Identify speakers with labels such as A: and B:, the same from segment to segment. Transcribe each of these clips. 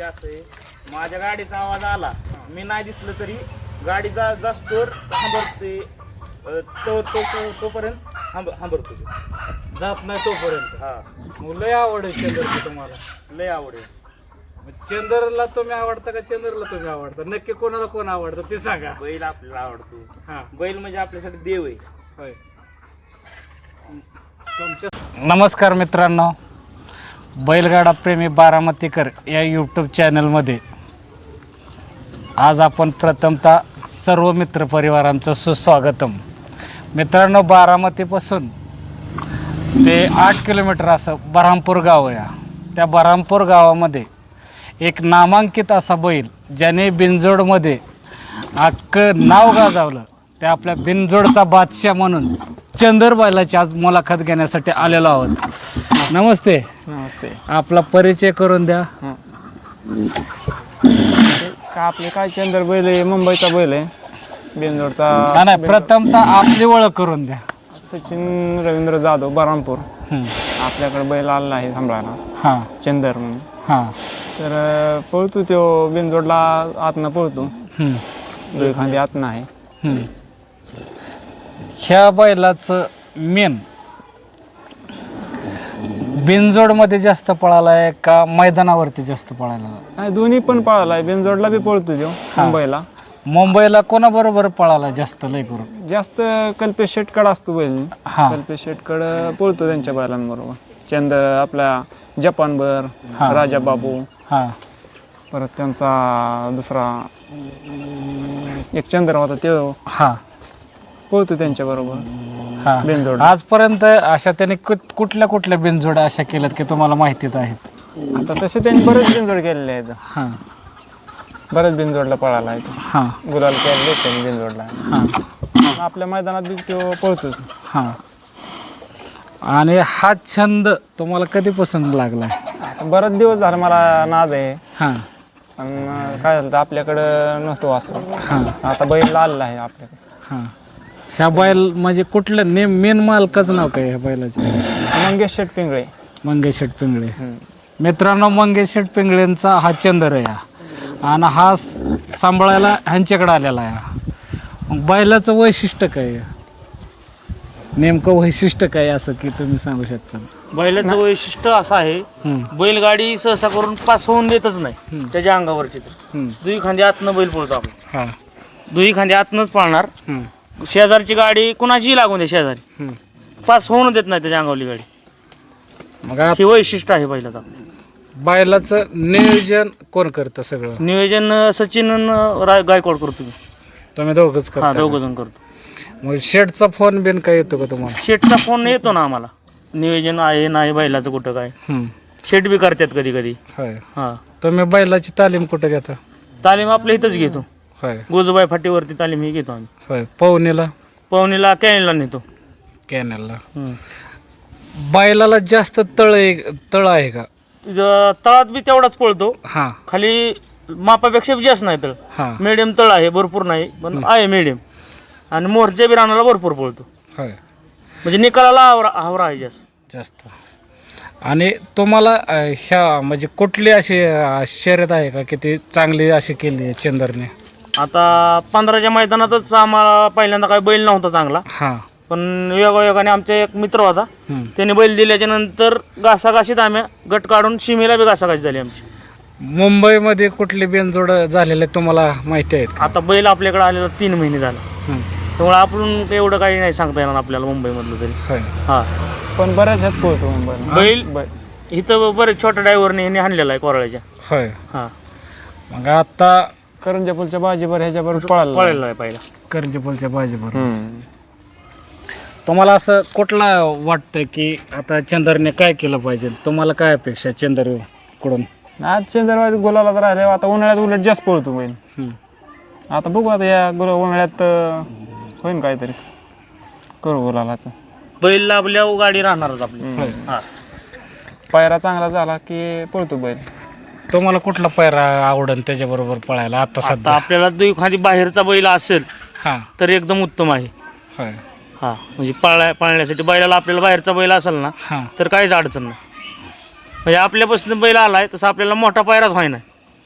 A: असं आहे, माझ्या गाडीचा आवाज आला, मी नाही दिसलं तरी गाडीचा जास्तोर थांबवते, तोपर्यंत थांबवतो
B: जात नाही तोपर्यंत.
A: हा.
B: मग लय आवड आहे चंदरची तुम्हाला.
A: लय आवडेल.
B: मग चंदरला तुम्ही आवडता का चंदरला तुम्ही आवडता? नक्की कोणाला कोण आवडतं ते सांगा.
A: बैल आपल्याला आवडतो.
B: हा
A: बैल म्हणजे आपल्यासाठी देव आहे.
B: होय. नमस्कार मित्रांनो, बैलगाडा प्रेमी बारामतीकर या यूट्यूब चॅनलमध्ये आज आपण प्रथमतः सर्व मित्रपरिवारांचं सुस्वागतम. मित्रांनो, बारामतीपासून ते 8 किलोमीटर असं बऱ्हामपूर गाव आहे. त्या बऱ्हामपूर गावामध्ये एक नामांकित असा बैल ज्याने बिनजोडमध्ये अख्खं नाव गाजवलं, त्या आपल्या बिनजोडचा बादशाह म्हणून चंदर बैलाची आज मुलाखत घेण्यासाठी आलेलो आहोत. नमस्ते.
C: नमस्ते.
B: आपला परिचय करून द्या.
C: का आपले काय चंदर बैल आहे, मुंबईचा बैल आहे, बिनजोडचा.
B: नाही, प्रथमतः आपली ओळख करून द्या.
C: सचिन रवींद्र जाधव, बऱ्हामपूर. आपल्याकडे बैल आलेला आहे सांभाळायला,
B: हां
C: चंदर म्हणून.
B: हां.
C: तर पळतो तो बिनजोडला, आतनं पळतो, दोन खांदी आतनं आहे.
B: ह्या बैलाचं मेन बिनजोडमध्ये जास्त पळालाय का मैदानावरती जास्त पळायला?
C: नाही, दोन्ही पण पळाला आहे. बिनजोडला बी पळतो तो मुंबईला.
B: मुंबईला कोणाबरोबर पळाला जास्त लय करून?
C: जास्त कल्पेश शेटकड असतो बैल.
B: हा.
C: कल्पेश शेटकड पळतो त्यांच्या बैलांबरोबर. आपल्या जपानभर, राजा बाबू,
B: हां.
C: परत त्यांचा दुसरा एक चंद्र होता तो
B: हां
C: पळतो त्यांच्या बरोबर
B: हां.
C: बिनजोड.
B: आजपर्यंत अशा त्याने कुठल्या कुठल्या बिनजोड्या अशा केल्यात की तुम्हाला माहितीच आहेत?
C: आता तसे त्यांनी बरेच बिनजोड केलेले आहेत.
B: हां
C: बरेच बिनजोडला पळाला आहे तो.
B: हां
C: गुलाल केले त्यांनी बिनजोडला.
B: हां
C: आपल्या मैदानात बी तो पळतोच.
B: हां. आणि हा छंद तुम्हाला कधीपासून लागलाय?
C: आता बरेच दिवस झाले मला नाद आहे.
B: हां
C: पण काय झालं, आपल्याकडं नव्हतो असं.
B: हां
C: आता बैल आलेला आहे आपल्याकडे.
B: हां. ह्या बैल म्हणजे कुठलं मेन मालकाचं नाव काय ह्या बैलाचे?
C: मंगेश शेट पिंगळे.
B: मंगेश शेट पिंगळे. मित्रांनो, मंगेश शेट पिंगळेंचा हा चंदर आहे आणि हा सांभाळायला ह्यांच्याकडे आलेला आहे. मग बैलाचं वैशिष्ट्य काय आहे? नेमकं वैशिष्ट्य काय असं की तुम्ही सांगू शकता?
A: बैलाचं वैशिष्ट्य असं आहे, बैलगाडी सहसा करून पास होऊन देतच नाही त्याच्या अंगावरची. दुई खांदी आतनं बैल पळतो आपण.
B: हां.
A: दुई खांदी आतनंच पळणार. शेजारची गाडी कुणाचीही लागून दे, शेजारी पास होऊन देत नाही त्याच्या अंगावली गाडी.
B: मग
A: हे वैशिष्ट्य आहे बैलाचं.
B: बैलाचं नियोजन कोण करतं? सगळं
A: नियोजन सचिन गायकवाड करतो.
B: तुम्ही दोघंच
A: हा,
B: करता?
A: दोघं जण करतो.
B: मग शेटचा फोन बिन काय येतो का तुम्हाला?
A: शेटचा फोन येतो ना आम्हाला, नियोजन आहे नाही बैलाचं कुठं काय. शेट बी करतात कधी कधी.
B: होय.
A: हा.
B: तुम्ही बैलाची तालीम कुठं घेता?
A: तालीम आपल्या इथंच घेतो,
B: होय.
A: गोजूबाई फाटीवरती तालीम ही घेतो आम्ही.
B: होय. पवनीला?
A: पवनीला कॅनलला नेतो.
B: कॅनलला. बैलाला जास्त तळ आहे का?
A: तळात बी तेवढाच पळतो,
B: हां
A: खाली मापापेक्षा बी जास्त नाही तळ.
B: हां.
A: मिडियम तळ आहे, भरपूर नाही पण आहे मिडियम. आणि मोरच्या बी रानाला भरपूर पळतो,
B: होय.
A: म्हणजे निकालाला आवरा आहे
B: जास्त. आणि तुम्हाला ह्या म्हणजे कुठली अशी शर्यत आहे का की ती चांगली अशी केली आहे चंदरने?
A: आता 15च्या मैदानातच आम्हाला पहिल्यांदा काही बैल नव्हता चांगला,
B: हां.
A: पण योगायोगाने आमचा एक मित्र होता, त्याने बैल दिल्याच्या नंतर घासाघाशीत आम्ही गट काढून शिमेला बी घासाघाशी झाली आमची.
B: मुंबईमध्ये कुठली बिनजोड झालेले तुम्हाला माहिती आहेत का?
A: आता बैल आपल्याकडे आलेला 3 महिने झाला, त्यामुळे आपण एवढं काही नाही सांगता येणार आपल्याला मुंबईमधलं तरी.
B: होय.
A: हा.
C: पण बऱ्याच ह्यात पळतो मुंबईला
A: बैल इथं बरेच छोट्या ड्रायव्हरने ह्याने आणलेला आहे कोराळ्याच्या.
B: होय.
A: हा.
B: मग आता
C: करंजापूरच्या बाजीवर ह्याच्याबरोबर पळाला.
A: पळायला आहे पहिला.
B: करंजीपूलच्या बाजीबरोबर. तुम्हाला असं कुठला वाटतं की आता चंदरने काय केलं पाहिजे? तुम्हाला काय अपेक्षा चंदरकडून?
C: आज चंद्रवाद गोलाला तर राहिले. आता उन्हाळ्यात उलट जास्त पळतो बैल. आता बघू, आता या उन्हाळ्यात होईन काहीतरी, करू गोलालाचं.
A: बैल लाभल्यावर गाडी राहणारच आपली. हा.
C: पायरा चांगला झाला की पळतो बैल.
B: तुम्हाला कुठला पायरा आवडेल त्याच्याबरोबर पळायला आता
A: आता
B: सध्या?
A: आपल्याला जो एखादी बाहेरचा बैल असेल
B: हां.
A: तर एकदम उत्तम आहे.
B: होय.
A: हा, म्हणजे पाळण्यासाठी बैलाला आपल्याला बाहेरचा बैल असेल ना
B: हां.
A: तर काहीच अडचण नाही. म्हणजे आपल्यापासून बैल आलाय तसं आपल्याला मोठा पायराच व्हाय नाही.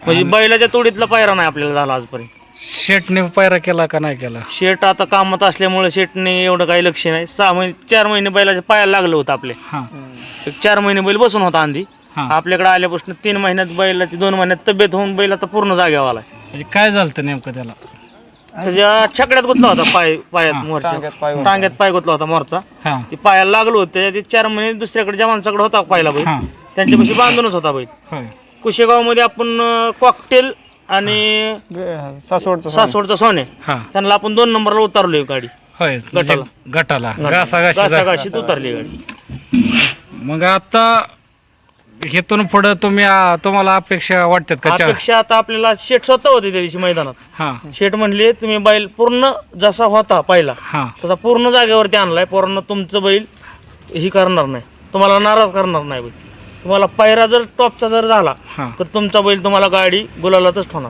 A: म्हणजे बैलाच्या तोडीतला पायरा नाही आपल्याला झाला आजपर्यंत.
B: शेटने पायरा केला का नाही केला?
A: शेट आता कामात असल्यामुळे शेटने एवढं काही लक्ष नाही. 4 महिने बैलाच्या पायाला लागलं होतं आपले.
B: हा
A: 4 महिने बैल बसून होता आंधी.
B: हा.
A: आपल्याकडे आल्यापासून 3 महिन्यात बैलाची 2 महिन्यात तब्येत होऊन बैल आता पूर्ण जागेवर आलाय.
B: म्हणजे काय झालं नेमकं त्याला?
A: त्याच्या छकड्यात गुतला होता पायात मोरच्या टांग्यात पाय गुतला होता मोरचा.
B: हा
A: ते पायाला लागलो होतं. ते 4 महिने दुसऱ्याकडे जवानच्याकडे होता पाहिला बैल.
B: हा
A: त्यांच्यापाशी बांधूनच होता बैल.
B: होय
A: कुशेगाव मध्ये आपण कॉकटेल आणि सासवडचा सोने
B: हा
A: त्यांना आपण 2 नंबरला उतारलोय गाडी.
B: होय
A: गटाला.
B: गटाला घासाघाशी
A: घासाघाशीत उतरली गाडी.
B: मग आता हेतून पुढे तुम्हाला अपेक्षा वाटतात का?
A: अपेक्षा आता आपल्याला शेट स्वतः होते त्या दिवशी मैदानात.
B: हा
A: शेट म्हणले तुम्ही बैल पूर्ण जसा होता पहिला
B: हा
A: तसा पूर्ण जागेवरती आणलाय. पोरांना तुमचं बैल ही करणार नाही, तुम्हाला नाराज करणार नाही बैल. तुम्हाला पायरा जर टॉपचा जर झाला
B: हा
A: तर तुमचा बैल तुम्हाला गाडी गुलालातच ठेवणार.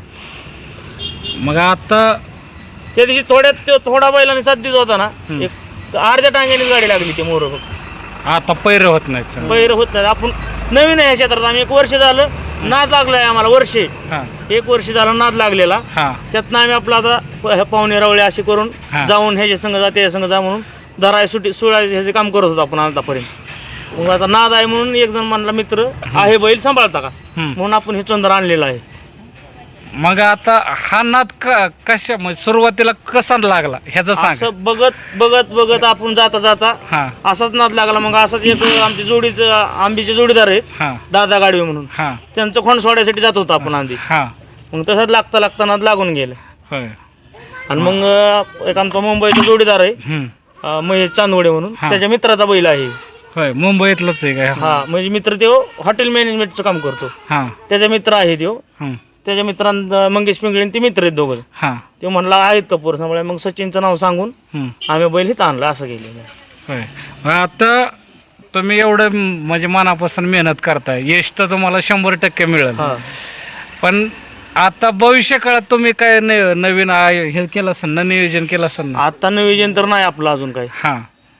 B: मग आता
A: त्या दिवशी थोडा बैलाने साथ देत होता ना. एक अर्ध्या टांग्याने गाडी लागली ते मोर.
B: आता पैर होत नाहीत.
A: बैर होत नाही. आपण नवीन आहे क्षेत्रात. आम्ही 1 वर्ष झालं नाद लागलाय आम्हाला.
B: हा
A: 1 वर्ष झालं नाद लागलेला.
B: हा
A: त्यातनं आम्ही आपला आता पाहुणे रावळे असे करून
B: हा.
A: जाऊन ह्याच्या संघ जा त्याच्या संघ जा म्हणून धराय सोडायचे ह्याचे काम करत होतो आपण आतापर्यंत. मग आता नाद आहे म्हणून एक जण म्हणला मित्र आहे बैल सांभाळता का म्हणून आपण हे चंद्र आणलेला आहे.
B: मग आता हा नाद कशा म्हणजे सुरुवातीला कसा लागला ह्याचं सांग.
A: असं बघत आपण जाता
B: हा
A: असाच नाद लागला. मग असाच एक आमची आंबीचे जोडीदार आहेत
B: हा
A: दादा गाडवे म्हणून.
B: हा
A: त्यांचं खोंड सोडायसाठी जात होतो आपण आधी.
B: हा
A: मग तसंच लागता नाद लागून गेलं.
B: होय
A: आणि मग एक आमचा मुंबईचा जोडीदार आहे महेश चांदवडे म्हणून.
B: हा.
A: त्याच्या मित्राचा बैल आहे.
B: होय मुंबईतलंच आहे काय?
A: हा म्हणजे मित्र तो हॉटेल मॅनेजमेंटचं काम करतो.
B: हा
A: त्याचा मित्र आहे तो.
B: हम्म.
A: त्याच्या मित्रांना मंगेश पिंगळे ते मित्र आहेत दोघं.
B: हा
A: ते म्हणला आहेत कपूर सांभाळे. मग सचिनचं नाव सांगून
B: हम्म.
A: आम्ही बैल हिथं आणला असं केलेलं आहे.
B: होय मग आता तुम्ही एवढं म्हणजे मनापासून मेहनत करताय, यश तर तुम्हाला 100% मिळेल.
A: हा
B: पण आता भविष्य काळात तुम्ही काय नवीन हे केलं असेल ना, नियोजन केलं असेल ना?
A: आता नियोजन तर नाही आपलं अजून काही.
B: हा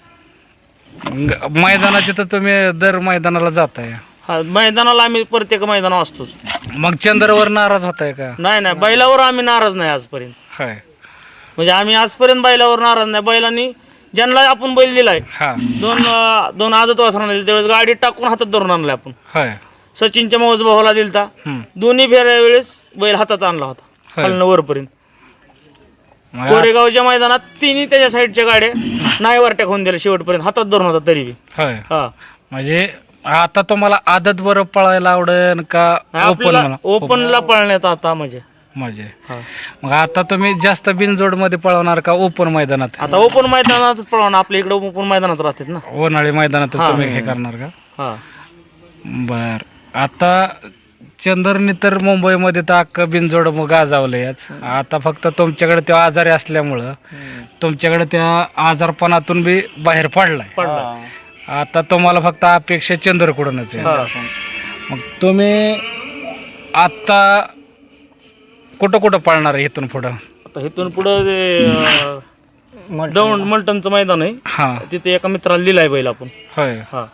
B: मैदानाचे तर तुम्ही दर मैदानाला जाताय.
A: हा मैदानाला आम्ही प्रत्येक मैदानावर असतोच.
B: मग चंद्रवर नाराज होताय का?
A: नाही बैलावर आम्ही नाराज नाही आजपर्यंत.
B: होय
A: म्हणजे आम्ही आजपर्यंत बैलावर नाराज नाही. बैलांनी ज्यांना आपण बैल दिलाय
B: हा
A: दोन आदत वासरांना दिले त्यावेळेस गाडी टाकून हातात धरून आणलाय आपण.
B: होय
A: सचिनच्या मौज भावाला दिलता.
B: हम्म.
A: दोन्ही फेऱ्या वेळेस बैल हातात आणला होता
B: होय.
A: खालनं वरपर्यंत.
B: मग
A: कोरेगावच्या मैदानात तिन्ही त्याच्या साईडच्या गाड्या नाही वरट्या होऊन दिल्या शेवटपर्यंत हातात धरून होता तरी बी.
B: होय
A: हा
B: म्हणजे आता तुम्हाला आदत बरं पळायला आवडेल का ओपन?
A: आपल्याला ओपनला पळण्यात आता म्हणजे
B: म्हणजे
A: हा.
B: मग आता तुम्ही जास्त बिनजोड मध्ये पळवणार का ओपन मैदानात?
A: आता ओपन मैदानातच पळवणार. आपल्या इकडे ओपन मैदानात राहतात ना.
B: उन्हाळी मैदानात
A: हा.
B: तुम्ही हे करणार का?
A: हा
B: बर आता चंदरनी तर मुंबईमध्ये तर अख्खं बिनजोड मग गाजावलं याच. आता फक्त तुमच्याकडे त्या आजारी असल्यामुळं तुमच्याकडे त्या आजारपणातून बी बाहेर पडलाय.
A: पडला.
B: आता तुम्हाला फक्त अपेक्षा चंद्रकडूनच आहे.
A: हा.
B: मग तुम्ही आता कुठं कुठं पळणार आहे इथून पुढं?
A: आता इथून पुढं दौंड मलटणचं मैदान आहे.
B: हा
A: तिथे एका मित्राला दिलाय बैल आपण.
B: होय
A: हा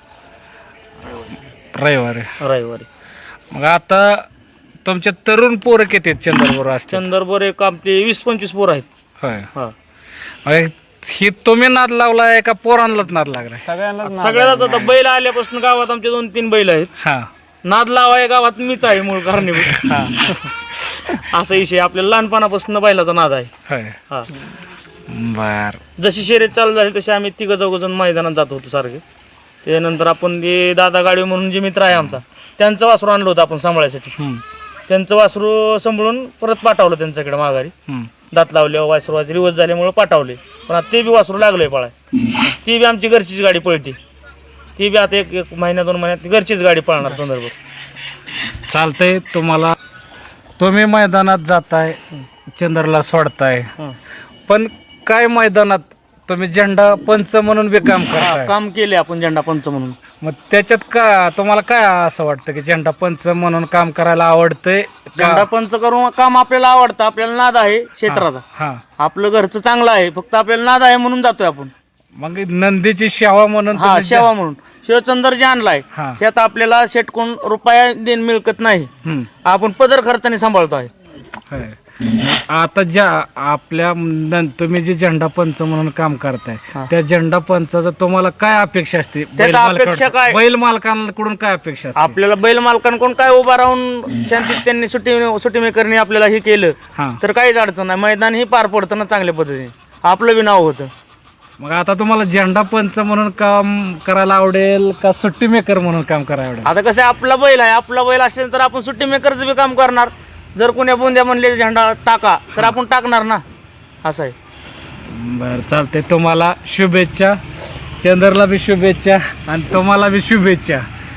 B: रविवारी.
A: रविवारी.
B: मग आता तुमचे तरुण पोरं किती आहेत चंद्रपूर असते?
A: चंदरबर एक आपले 20-25 पोर आहेत.
B: होय
A: हा
B: मग ही तुम्ही नाद लावलाय का पोरांनाच नाद लागलाय?
A: सगळ्यालाच आता बैल आल्यापासून गावात आमचे 2-3 बैल आहेत.
B: हा
A: नाद लावाय गावात मीच आहे मूळ कारणीभूत.
B: हा
A: असा विषय आपल्याला लहानपणापासून बैलाचा नाद आहे.
B: होय
A: हा
B: बर
A: जशी शर्यत चालू झाली तशी आम्ही 3-4 मैदानात जात होतो सारखे. त्यानंतर आपण ते दादा गाडवे म्हणून जे मित्र आहे आमचा त्यांचं वासरू आणलं होतं आपण सांभाळायसाठी. त्यांचं वासरू सांभाळून परत पाठवलं त्यांच्याकडे माघारी. दात लावले वासरूवाचे रिवर्स झाल्यामुळे पाठवले. पण आता ते बी वासरू लागलंय पळाय. ती बी आमची घरचीच गाडी पळते. ती बी आता एक महिन्या 2 महिन्यात घरचीच गाडी पळणार संदर्भ.
B: चालतंय. तुम्ही मैदानात जाताय, चंद्रला सोडताय, पण काय मैदानात तुम्ही झेंडा पंच म्हणून बी काम करताय.
A: काम केले आपण झेंडा पंच म्हणून.
B: मग त्याच्यात का तुम्हाला काय असं वाटतं की झेंडा पंच म्हणून काम करायला आवडतंय?
A: झेंडा पंच करून काम आपल्याला आवडतं. आपल्याला नाद आहे क्षेत्राचा.
B: हा
A: आपलं घरचं चांगलं आहे. फक्त आपल्याला नाद आहे म्हणून जातोय आपण.
B: मग नंदीची सेवा म्हणून
A: हा
B: तुम्ही
A: सेवा म्हणून शिवचंदर जे आणलाय
B: हा.
A: त्यात आपल्याला शेटकून रुपया देण मिळकत नाही.
B: हम्म.
A: आपण पदर खर्चाने सांभाळतो आहे.
B: होय. आता ज्या आपल्या तुम्ही जे झेंडा पंच म्हणून काम करताय त्या झेंडा पंचाचं तुम्हाला काय अपेक्षा असते?
A: अपेक्षा काय?
B: बैल मालकांकडून काय अपेक्षा असते?
A: आपल्याला बैल मालकांकडून काय उभा राहून शांतीत त्यांनी सुट्टी मेकरनी आपल्याला हे केलं
B: हा.
A: तर काहीच अडचण नाही. मैदान ही पार पडतं ना चांगल्या पद्धतीने, आपलं बी नाव होतं.
B: मग आता तुम्हाला झेंडा पंच म्हणून काम करायला आवडेल का सुट्टी मेकर म्हणून काम करायला आवडेल?
A: आता कसं आहे, आपला बैल आहे, आपला बैल असेल तर आपण सुट्टी मेकरचं बी काम करणार. जर कोण्या बोंद्या म्हणले झेंडा टाका तर आपण टाकणार ना, असं आहे.
B: बरं चालते. तुम्हाला शुभेच्छा, चंदरला बी शुभेच्छा आणि तुम्हाला बी शुभेच्छा.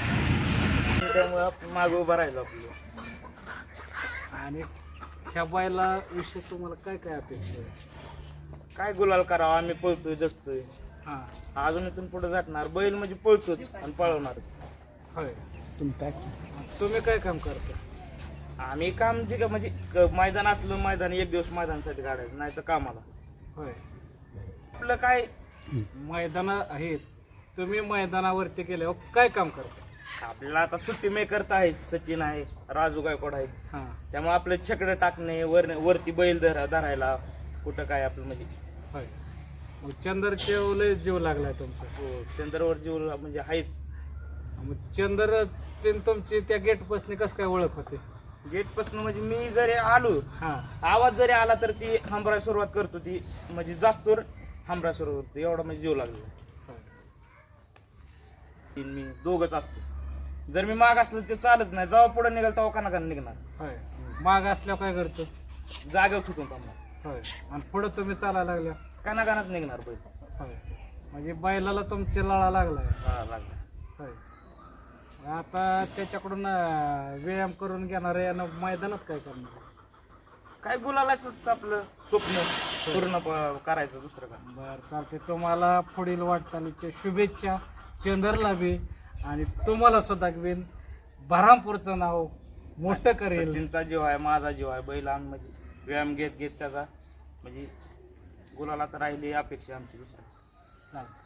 A: मागे उभा राहिलो आपलं.
B: आणि ह्या बैला विषयी तुम्हाला काय काय अपेक्षा आहे?
A: काय गुलाल करावा, आम्ही पळतोय जगतोय,
B: हां.
A: अजून इथून पुढे जाणार. बैल म्हणजे पळतोच आणि पळवणार.
B: होय. तुम्ही काय काम करता?
A: आम्ही काम जे का म्हणजे मैदान असलं, मैदान एक दिवस मैदानासाठी काढायचं, नाही तर कामाला.
B: होय.
A: आपलं काय
B: मैदान आहेत, तुम्ही मैदानावरती गेल्यावर काय काम करता?
A: आपल्याला आता सुट्टी मेकर तर आहेत, सचिन आहे, राजू गायकवाड आहे.
B: हां.
A: त्यामुळे आपलं छकडं टाकणे, वरती बैल धरायला कुठं काय आपलं म्हणजे.
B: होय. मग चंदरचे लय जीव लागलाय तुमचा.
A: हो, चंद्रावर जीव म्हणजे आहेच.
B: मग चंदर तुमची त्या गेट पासून कसं काय ओळख होते?
A: गेट पासून म्हणजे मी जरी आलो,
B: हां.
A: आवाज जरी आला तर ती हमराय सुरुवात करतो, ती म्हणजे जास्त हमराय सुरुवात करतो, एवढा म्हणजे जीव लागला. मी दोघच असतो. जर मी माग असलं ते चालत नाही, जेव्हा पुढे निघाल तेव्हा कानाकान निघणार.
B: होय. माग असल्यावर काय करतो?
A: जागेवर ठुकून थांबणार.
B: होय. आणि पुढे तुम्ही चालायला लागल्या?
A: कानाकानात निघणार बैल.
B: होय. म्हणजे बैलाला तुमची लळा लागलाय.
A: हा, लागला.
B: होय. आता त्याच्याकडून व्यायाम करून घेणार आहे आणि मैदानात काय करणार?
A: काय गुलालाच आपलं स्वप्न पूर्ण करायचं, दुसरं काय.
B: बरं चालते. तुम्हाला पुढील वाटचालीच्या शुभेच्छा, चंदरला बी आणि तुम्हाला सुद्धा बी बऱ्हामपूरचं नाव मोठं करेल.
A: सचिनचा जीव आहे, माझा जीव आहे. बैल म्हणजे व्यायाम घेत घेत त्याचा म्हणजे गुलाला तर राहिली अपेक्षा आमची दुसरं.
B: चालतं.